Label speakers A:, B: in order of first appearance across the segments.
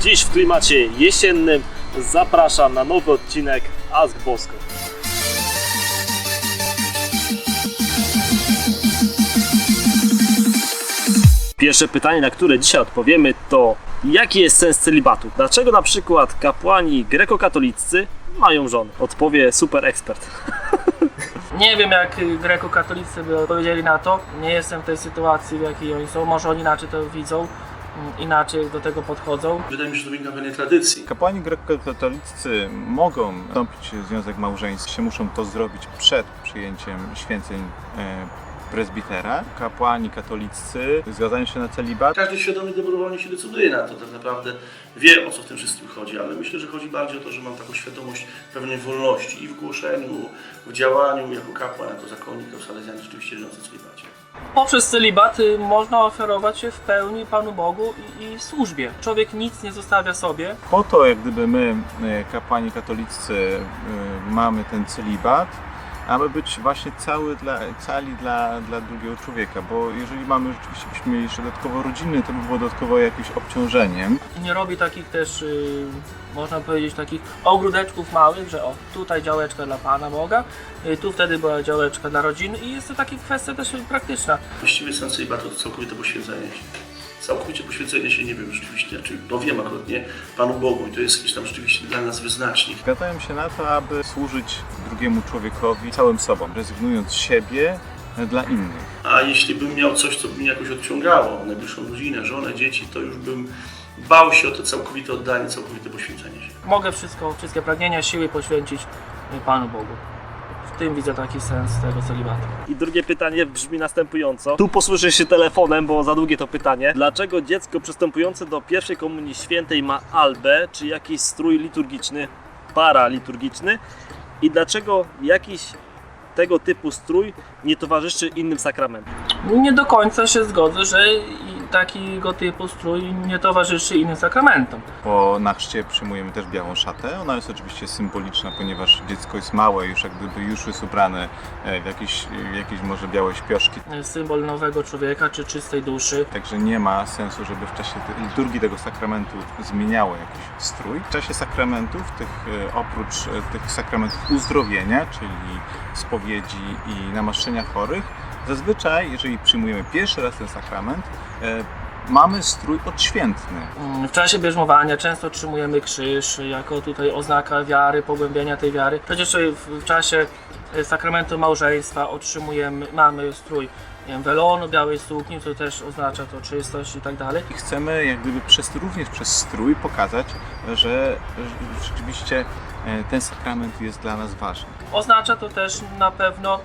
A: Dziś w klimacie jesiennym zapraszam na nowy odcinek Ask Bosko. Pierwsze pytanie, na które dzisiaj odpowiemy, to jaki jest sens celibatu? Dlaczego na przykład kapłani grekokatoliccy mają żony? Odpowie super ekspert.
B: Nie wiem, jak grekokatolicy by odpowiedzieli na to. Nie jestem w tej sytuacji, w jakiej oni są. Może oni inaczej to widzą, inaczej do tego podchodzą.
C: Wydaje mi się, że to wynika pewnej tradycji.
D: Kapłani grekokatolicy mogą wstąpić w związek małżeński, muszą to zrobić przed przyjęciem święceń prezbitera. Kapłani katolicy zgadzają się na celibat.
C: Każdy świadomie dobrowolnie się decyduje na to, tak naprawdę wie, o co w tym wszystkim chodzi, ale myślę, że chodzi bardziej o to, że mam taką świadomość pewnej wolności i w głoszeniu, w działaniu jako kapłan, jako zakonnik, jako salezjan rzeczywiście żyjący w celibacie.
B: Poprzez celibat można ofiarować się w pełni Panu Bogu i służbie. Człowiek nic nie zostawia sobie.
D: Po to, jak gdyby my, kapłani katolicy, mamy ten celibat, aby być właśnie cali dla drugiego człowieka, bo jeżeli mamy rzeczywiście, byśmy mieli jeszcze dodatkowo rodziny, to by było dodatkowo jakimś obciążeniem.
B: Nie robi takich też, można powiedzieć, takich ogródeczków małych, że o, tutaj działeczka dla Pana Boga, tu wtedy była działeczka dla rodziny i jest to taka kwestia też praktyczna.
C: Właściwie sens celibatu to całkowite poświęcenie się. Całkowicie poświęcenie się, nie wiem rzeczywiście, znaczy, no wiem akurat nie, Panu Bogu i to jest jakiś tam rzeczywiście dla nas wyznacznik.
D: Zgadzają się na to, aby służyć drugiemu człowiekowi całym sobą, rezygnując z siebie dla innych.
C: A jeśli bym miał coś, co by mnie jakoś odciągało, najbliższą rodzinę, żonę, dzieci, to już bym bał się o to całkowite oddanie, całkowite poświęcenie się.
B: Mogę wszystkie pragnienia, siły poświęcić Panu Bogu. W tym widzę taki sens tego celibatu.
A: I drugie pytanie brzmi następująco. Tu posłużę się telefonem, bo za długie to pytanie. Dlaczego dziecko przystępujące do pierwszej komunii świętej ma albę, czy jakiś strój liturgiczny, paraliturgiczny? I dlaczego jakiś tego typu strój nie towarzyszy innym sakramentom?
B: Nie do końca się zgodzę, że takiego typu strój nie towarzyszy innym sakramentom.
D: Po nachrzcie przyjmujemy też białą szatę. Ona jest oczywiście symboliczna, ponieważ dziecko jest małe, już jak gdyby już jest ubrane w jakieś może białe śpioszki.
B: Symbol nowego człowieka czy czystej duszy.
D: Także nie ma sensu, żeby w czasie liturgii tego sakramentu zmieniało jakiś strój. W czasie sakramentów, oprócz tych sakramentów uzdrowienia, czyli spowiedzi i namaszczenia chorych, zazwyczaj, jeżeli przyjmujemy pierwszy raz ten sakrament, mamy strój odświętny.
B: W czasie bierzmowania często otrzymujemy krzyż jako tutaj oznaka wiary, pogłębienia tej wiary. Przecież w czasie sakramentu małżeństwa mamy strój, nie wiem, welonu, białej sukni, co też oznacza to czystość i tak dalej.
D: I chcemy jak gdyby również przez strój pokazać, że rzeczywiście ten sakrament jest dla nas ważny.
B: Oznacza to też na pewno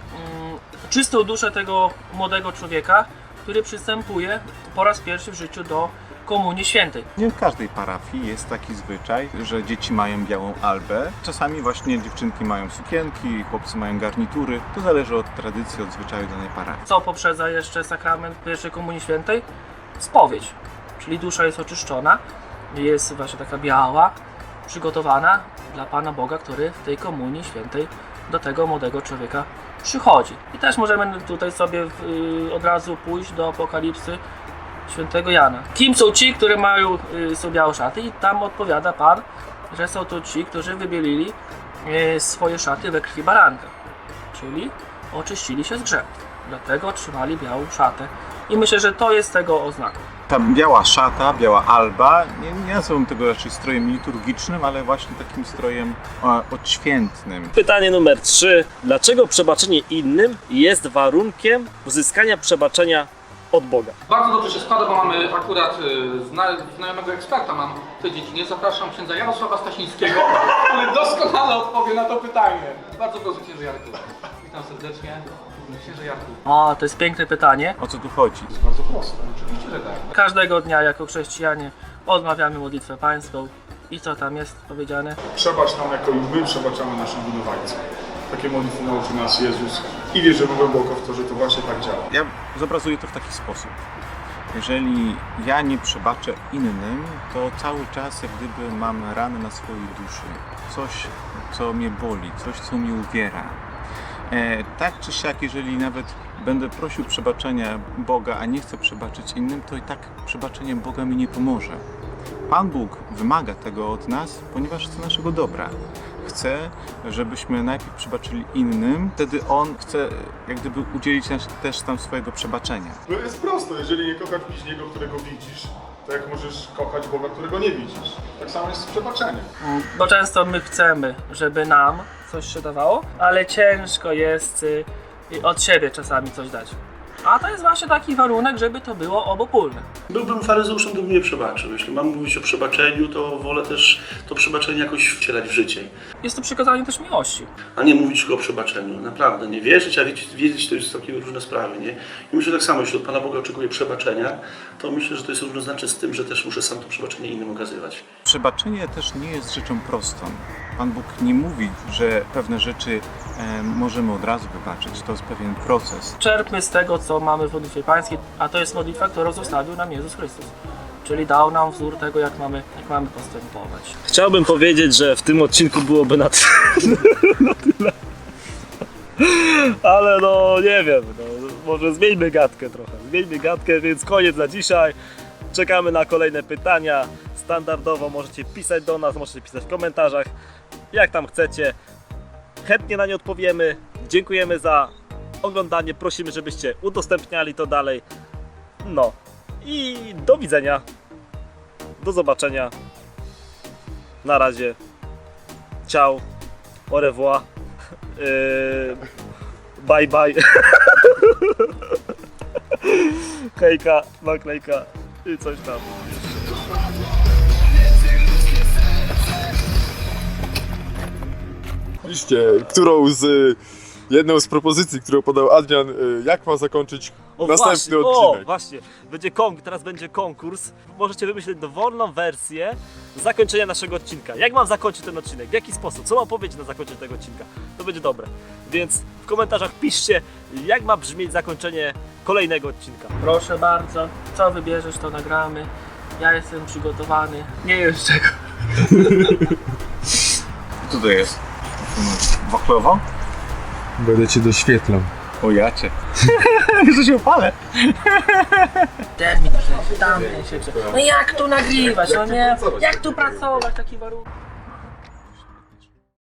B: czystą duszę tego młodego człowieka, który przystępuje po raz pierwszy w życiu do Komunii Świętej.
D: Nie w każdej parafii jest taki zwyczaj, że dzieci mają białą albę. Czasami właśnie dziewczynki mają sukienki, chłopcy mają garnitury. To zależy od tradycji, od zwyczaju danej parafii.
B: Co poprzedza jeszcze sakrament pierwszej Komunii Świętej? Spowiedź, czyli dusza jest oczyszczona, jest właśnie taka biała, przygotowana dla Pana Boga, który w tej Komunii Świętej do tego młodego człowieka przychodzi. I też możemy tutaj sobie od razu pójść do Apokalipsy Świętego Jana. Kim są ci, którzy mają są białe szaty? I tam odpowiada Pan, że są to ci, którzy wybielili swoje szaty we krwi baranka. Czyli oczyścili się z grzechów. Dlatego otrzymali białą szatę. I myślę, że to jest tego oznaka.
D: Ta biała szata, biała alba, nie nazywam tego raczej strojem liturgicznym, ale właśnie takim strojem odświętnym.
A: Pytanie numer 3. Dlaczego przebaczenie innym jest warunkiem uzyskania przebaczenia od Boga?
E: Bardzo dobrze się składa, bo mamy akurat znajomego eksperta mam w tej dziedzinie. Zapraszam księdza Jarosława Stasińskiego, który doskonale odpowie na to pytanie. Bardzo proszę, księże Jarku. Witam serdecznie. Księże Jarku.
B: O, to jest piękne pytanie.
D: O co tu chodzi?
E: Jest bardzo proste, oczywiście, że tak.
B: Każdego dnia jako chrześcijanie odmawiamy modlitwę pańską. I co tam jest powiedziane?
F: Przebacz nam, jako i my przebaczamy naszym winowajcom. Takie modlitwy nauczył nas Jezus i wierzymy głęboko w to, że to właśnie tak działa.
D: Ja zobrazuję to w taki sposób. Jeżeli ja nie przebaczę innym, to cały czas jak gdyby mam rany na swojej duszy. Coś, co mnie boli, coś, co mnie uwiera. Tak czy siak, jeżeli nawet będę prosił przebaczenia Boga, a nie chcę przebaczyć innym, to i tak przebaczenie Boga mi nie pomoże. Pan Bóg wymaga tego od nas, ponieważ chce naszego dobra. Chce, żebyśmy najpierw przebaczyli innym, wtedy On chce jak gdyby udzielić nas też tam swojego przebaczenia.
F: No jest prosto, jeżeli nie kochasz bliźniego, którego widzisz, to jak możesz kochać Boga, którego nie widzisz? Tak samo jest z przebaczeniem.
B: Bo często my chcemy, żeby nam coś się dawało, ale ciężko jest od siebie czasami coś dać. A to jest właśnie taki warunek, żeby to było obopólne.
C: Byłbym faryzeuszem, gdybym nie przebaczył. Jeśli mam mówić o przebaczeniu, to wolę też to przebaczenie jakoś wcielać w życie.
B: Jest to przykazanie też miłości.
C: A nie mówić tylko o przebaczeniu. Naprawdę, nie wierzyć, a wiedzieć to jest takie różne sprawy, nie? I myślę tak samo, jeśli od Pana Boga oczekuję przebaczenia, to myślę, że to jest równoznaczne z tym, że też muszę sam to przebaczenie innym okazywać.
D: Przebaczenie też nie jest rzeczą prostą. Pan Bóg nie mówi, że pewne rzeczy możemy od razu wybaczyć. To jest pewien proces.
B: Czerpmy z tego, co mamy w modlitwie pańskiej, a to jest modlitwa, którą zostawił nam Jezus Chrystus. Czyli dał nam wzór tego, jak mamy postępować.
A: Chciałbym powiedzieć, że w tym odcinku byłoby na tyle. Ale no nie wiem, no, może zmieńmy gadkę trochę. Zmieńmy gadkę, więc koniec na dzisiaj. Czekamy na kolejne pytania. Standardowo możecie pisać do nas, możecie pisać w komentarzach, jak tam chcecie. Chętnie na nie odpowiemy. Dziękujemy za oglądanie. Prosimy, żebyście udostępniali to dalej. No i do widzenia. Do zobaczenia. Na razie. Ciao. Au revoir. Bye bye. Hejka, naklejka i coś tam.
G: Piszcie, jedną z propozycji, którą podał Adrian, jak ma zakończyć następny odcinek.
A: Właśnie, teraz będzie konkurs. Możecie wymyślić dowolną wersję zakończenia naszego odcinka. Jak mam zakończyć ten odcinek? W jaki sposób? Co mam powiedzieć na zakończenie tego odcinka? To będzie dobre. Więc w komentarzach piszcie, jak ma brzmieć zakończenie kolejnego odcinka.
B: Proszę bardzo, co wybierzesz, to nagramy. Ja jestem przygotowany. Nie wiem z czego.
D: Co to jest? Wachlowo?
G: Będę cię doświetlał.
D: O jacie. Że się opalę.
B: Ten mi się, tam mi się. No jak tu nagrywać, no nie? Jak tu pracować, taki warunek?